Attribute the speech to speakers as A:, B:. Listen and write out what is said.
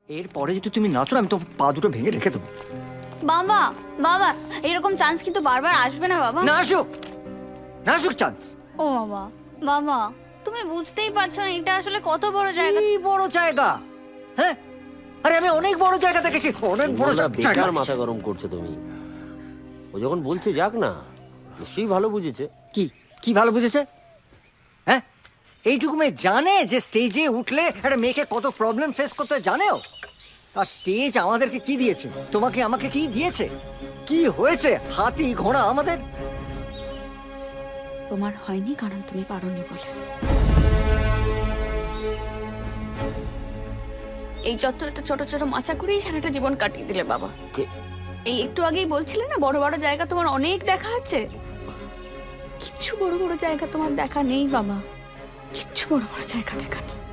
A: এরপরে যদি তুমি নাচো না, আমি তো পা দুটো ভেঙে রেখে দেবো।
B: বাবা বাবা এরকম চান্স কিন্তু বারবার আসবে না বাবা।
A: না আসুক, না আসুক চান্স।
B: ও বাবা বাবা তুমি বুঝতেই পারছো না এটা আসলে কত বড় জায়গা।
A: কি বড় জায়গা? হ্যাঁ, আরে আমি অনেক বড় জায়গা দেখেছি, অনেক বড়
C: বলরা,
A: জায়গা।
C: বেকার মাথা গরম করছো তুমি। ও যখন বলছে যাক না, নিশ্চয়ই ভালো বুঝেছে।
A: কি কি ভালো বুঝেছে? হ্যাঁ, এইটুকু মেয়ে জানে যে স্টেজে উঠলে একটা মেয়েকে কত প্রবলেম ফেস করতে হয়, জানেও। আর স্টেজ আমাদেরকে কি দিয়েছে? তোমাকে আমাকে কি দিয়েছে? কি হয়েছে? হাতি ঘোড়া আমাদের।
B: তোমার হয়নি কারণ তুমি পারোনি বলে। এই চত্বরে তো ছোট ছোট মাচা করেই সারাটা জীবন কাটিয়ে দিলে বাবা। এই একটু আগেই বলছিলে না বড় বড় জায়গা তোমার অনেক দেখা আছে। কিচ্ছু বড় বড় জায়গা তোমার দেখা নেই বাবা, কিচ্ছু বড় বড় জায়গা দেখা নেই।